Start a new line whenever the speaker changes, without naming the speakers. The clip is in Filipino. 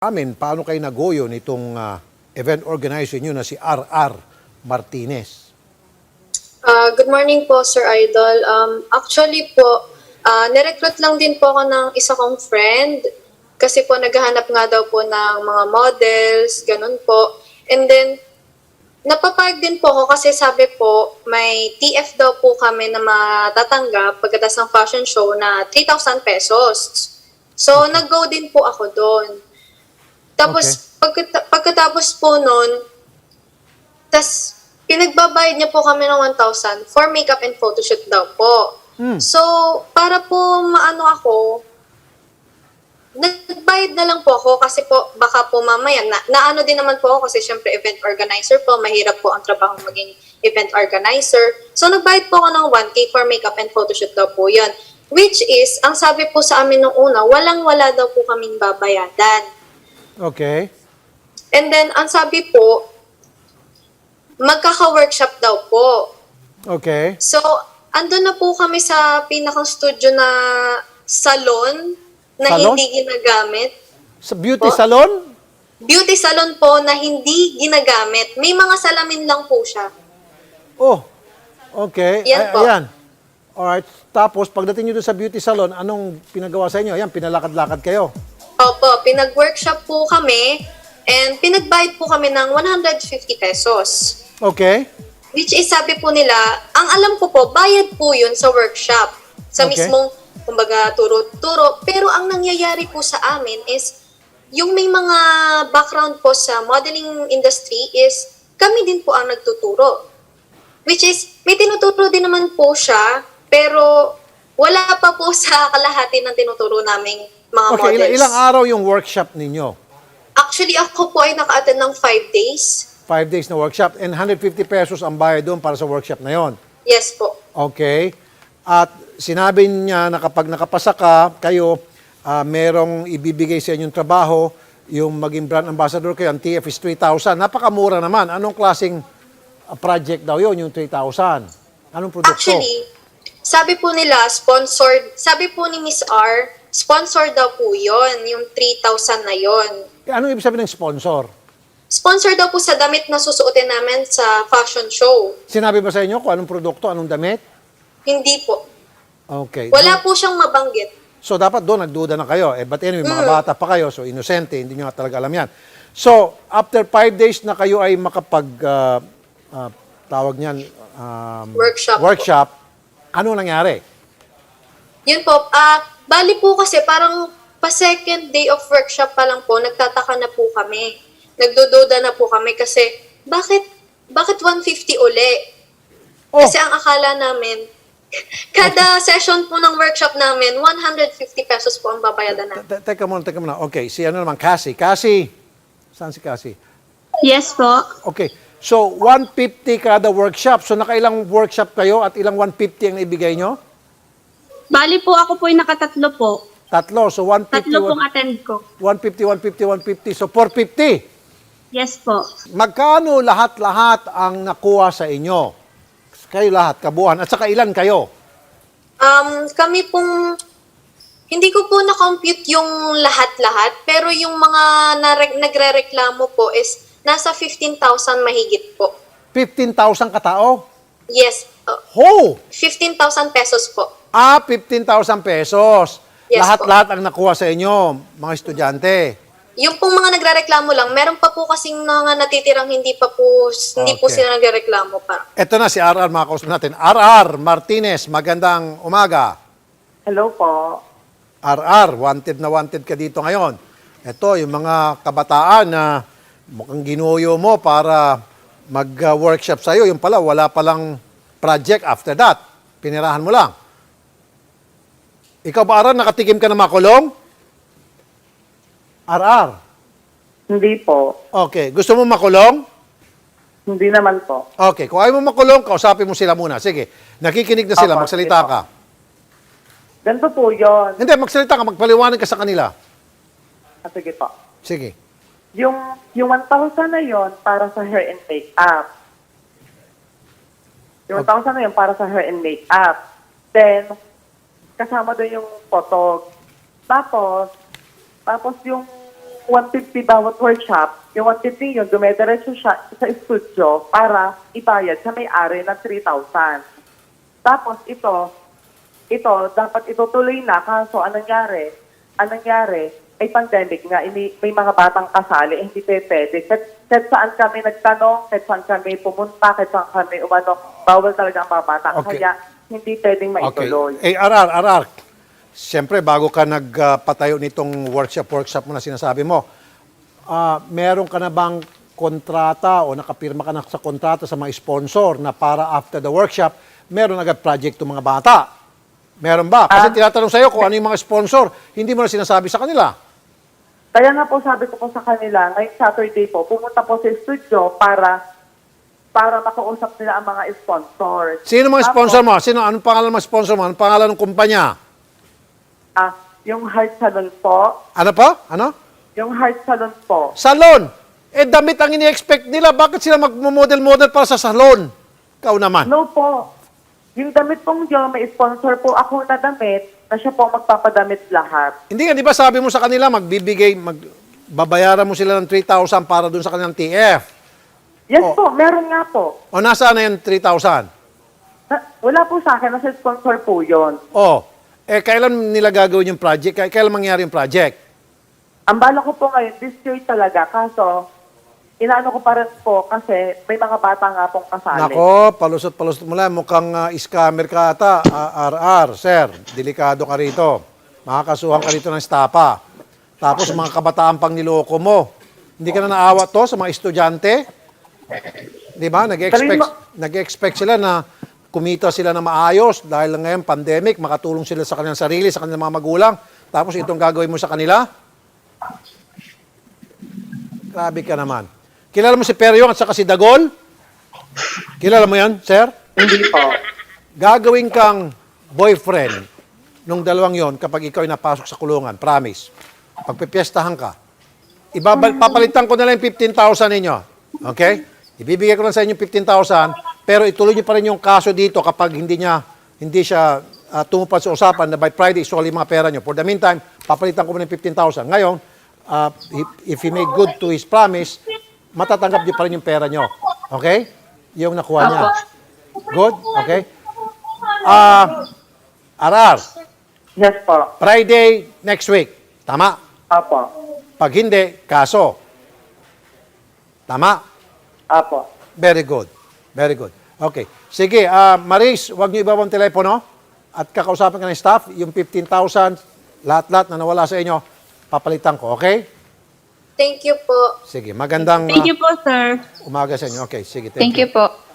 amin paano kayo nagoyo nitong event organizer nyo na si R.R. Martinez.
Good morning po, Sir Idol. Actually po, nirecruit lang din po ako ng isa kong friend kasi po naghahanap nga daw po ng mga models, ganun po. And then, napapayag din po ako kasi sabi po, may TF daw po kami na matatanggap pagkatapos ng fashion show na 3,000 pesos. So, nag-go din po ako doon. Tapos, pagkatapos po nun, tas pinagbabayad niya po kami ng 1,000 for makeup and photoshoot daw po. So, para po maano ako, nagbayad na lang po ako kasi po baka po mamaya, naano din naman po ako kasi syempre event organizer po, mahirap po ang trabaho maging event organizer. So, nagbayad po ako ng 1K for makeup and photoshoot daw po yun. Which is, ang sabi po sa amin nung una, walang-wala daw po kaming babayadan.
Okay.
And then, ang sabi po, magkaka-workshop daw po.
Okay.
So, andun na po kami sa pinakang studio na salon na
Salon?
hindi ginagamit.
Sa beauty
Po?
salon?
Beauty salon po na hindi ginagamit. May mga salamin lang po siya.
Oh, okay.
Yan po.
Ayan. Alright. Tapos, pagdating nyo doon sa beauty salon, anong pinagawa sa inyo? Ayan, pinalakad-lakad kayo.
Opo, pinag-workshop po kami and pinagbayad po kami ng 150 pesos.
Okay.
Which is, sabi po nila, ang alam ko po, bayad po yun sa workshop. Sa
Okay.
mismong, kumbaga, turo-turo. Pero ang nangyayari po sa amin is, yung may mga background po sa modeling industry is, kami din po ang nagtuturo. Which is, may tinuturo din naman po siya, pero wala pa po sa kalahati ng tinuturo naming mga
Okay,
models.
ilang araw yung workshop ninyo?
Actually, ako po ay naka-attend ng 5 days.
5 days na workshop and 150 pesos ang bayad doon para sa workshop na yon.
Yes po.
Okay. At sinabi niya na kapag nakapasa ka, kayo, merong ibibigay sa inyong trabaho, yung maging brand ambassador kayo, ang TF is 3,000. Napakamura naman. Anong klaseng project daw yon yung 3,000? Anong produkto?
Actually, sabi po nila, sponsored, sabi po ni Miss R, sponsored daw po yon yung 3,000 na yon.
Anong ibig sabihin ng sponsor?
Sponsor daw po sa damit na susuotin namin sa fashion show.
Sinabi ba sa inyo kung anong produkto, anong damit?
Hindi po.
Okay.
Wala po siyang mabanggit.
So, dapat doon, nagduda na kayo. But anyway, mga bata pa kayo, so inosente, hindi nyo nga talaga alam yan. So, after 5 days na kayo ay makapag, tawag niyan,
Workshop
ano nangyari?
Yun po. Bali po kasi parang pa-second day of workshop pa lang po, nagtataka na po kami. Nagdududa na po kami kasi bakit 150 uli?
Oh,
Kasi ang akala namin, kada session po ng workshop namin, 150 pesos po ang babayadan namin.
teka muna. Okay, si ano naman, Cassie. Cassie, saan si Cassie?
Yes po.
Okay, so 150 kada workshop. So nakailang workshop kayo at ilang 150 ang naibigay nyo?
Bali po ako po ay nakatatlo po.
Tatlo, so 150,
Tatlo pong attend ko.
150, so 450.
Yes po.
Magkano lahat-lahat ang nakuha sa inyo? Kayo lahat, kabuuan. At saka ilan kayo?
Kami pong, hindi ko po na-compute yung lahat-lahat, pero yung mga nagre-reklamo po is nasa 15,000 mahigit po.
15,000 katao?
Yes,
Ho!
15,000 pesos po.
15,000 pesos.
Yes,
Lahat-lahat ang nakuha sa inyo, mga estudyante.
Yung pong mga nagre-reklamo lang, meron pa po kasing mga natitirang hindi po
Okay.
sila nagre-reklamo pa.
Ito na si R.R. mga kausap natin. R.R. Martinez, magandang umaga.
Hello po.
R.R., wanted na wanted ka dito ngayon. Ito, yung mga kabataan na mukhang ginuyo mo para mag-workshop sa'yo. Yung pala, wala palang project after that. Pinirahan mo lang. Ikaw ba, R.R., nakatikim ka na makulong? R.R.
Hindi po.
Okay. Gusto mo makulong?
Hindi naman po.
Okay. Kung ayaw mo makulong, kausapin mo sila muna. Sige. Nakikinig na sila.
Opo,
Magsalita
sige po.
ka.
Ganito po yun.
Hindi, magsalita ka. Magpaliwanag ka sa kanila.
Sige po.
Sige.
Yung 1,000 na yon para sa hair and makeup. Yung 1,000 na yon para sa hair and makeup. Then, kasama doon yung photo. Tapos yung 150 bawat workshop, yung 150 yun, dumediretso siya sa studio para ibayad sa may-ari ng 3,000. Tapos ito, dapat itutuloy na, kaso anong nangyari, ay pandemic nga, may mga batang kasali, hindi pwede. Kahit saan kami nagtanong, kahit saan kami pumunta, kahit saan kami umano, bawal talaga ang mga bata.
Okay.
Kaya hindi pwedeng maituloy.
Okay. RR. Siyempre, bago ka nagpatayo nitong workshop mo na sinasabi mo, meron ka na bang kontrata o nakapirma ka na sa kontrata sa mga sponsor na para after the workshop, meron agad project ng mga bata? Meron ba? Kasi tinatanong sa'yo kung ano yung mga sponsor, hindi mo na sinasabi sa kanila.
Kaya nga po sabi ko po sa kanila, ngayong Saturday po, pumunta po sa studio para makausap nila ang mga sponsors.
Sino mga sponsor mo? Anong pangalan ng mga sponsor mo? Anong pangalan ng kumpanya?
Yung Heart Salon po.
Ano po? Ano?
Yung Heart Salon po.
Salon. Damit ang ini-expect nila. Bakit sila magmodel-model para sa salon? Ikaw naman.
No po. Yung damit pong yun, may sponsor po ako na damit na siya po magpapadamit lahat.
Hindi nga, di ba sabi mo sa kanila, babayaran mo sila ng 3,000 para dun sa kanilang TF?
Yes po, meron nga po.
O nasaan na yung 3,000?
Wala po sa akin, nasa sponsor po yun.
Kailan nila gagawin yung project? Kailan mangyari yung project?
Ang bala ko po ngayon, this year talaga, kaso inaano ko pa rin po kasi may mga bata nga pong kasali.
Nako, palusot mo lang. Mukhang scammer ka ata. RR, sir. Delikado ka rito. Makakasuhan ka rito ng estapa. Tapos mga kabataan pang niloko mo. Hindi ka na naawa to sa mga estudyante? Di ba? Nag-expect sila na kumita sila na maayos dahil ngayon pandemic, makatulong sila sa kanilang sarili, sa kanilang mga magulang. Tapos itong gagawin mo sa kanila? Grabe ka naman. Kilala mo si Peryong at saka si Dagol? Kilala mo yan, sir?
Hindi po.
Gagawin kang boyfriend nung dalawang yon kapag ikaw ay napasok sa kulungan. Promise. Pagpipiestahan ka. Papalitan ko na lang yung 15,000 ninyo. Okay? Ibibigay ko lang sa inyo 15,000, pero ituloy niyo pa rin yung kaso dito kapag hindi siya tumupad sa usapan na by Friday, isuali mga pera niyo. For the meantime, papalitan ko muna yung 15,000. Ngayon, if he make good to his promise, matatanggap niyo pa rin yung pera niyo. Okay? Yung nakuha niya. Good? Okay? Arar,
Yes po.
Friday next week. Tama?
Apo.
Pag hindi, kaso. Tama?
Apo.
Very good. Very good. Okay. Sige, Maris, huwag niyo ibabang telepono at kakausapin ka ng staff, yung 15,000, lahat-lahat na nawala sa inyo, papalitan ko. Okay?
Thank you po.
Sige, magandang
Thank you po, sir.
umaga sa inyo. Okay, sige.
Thank you po.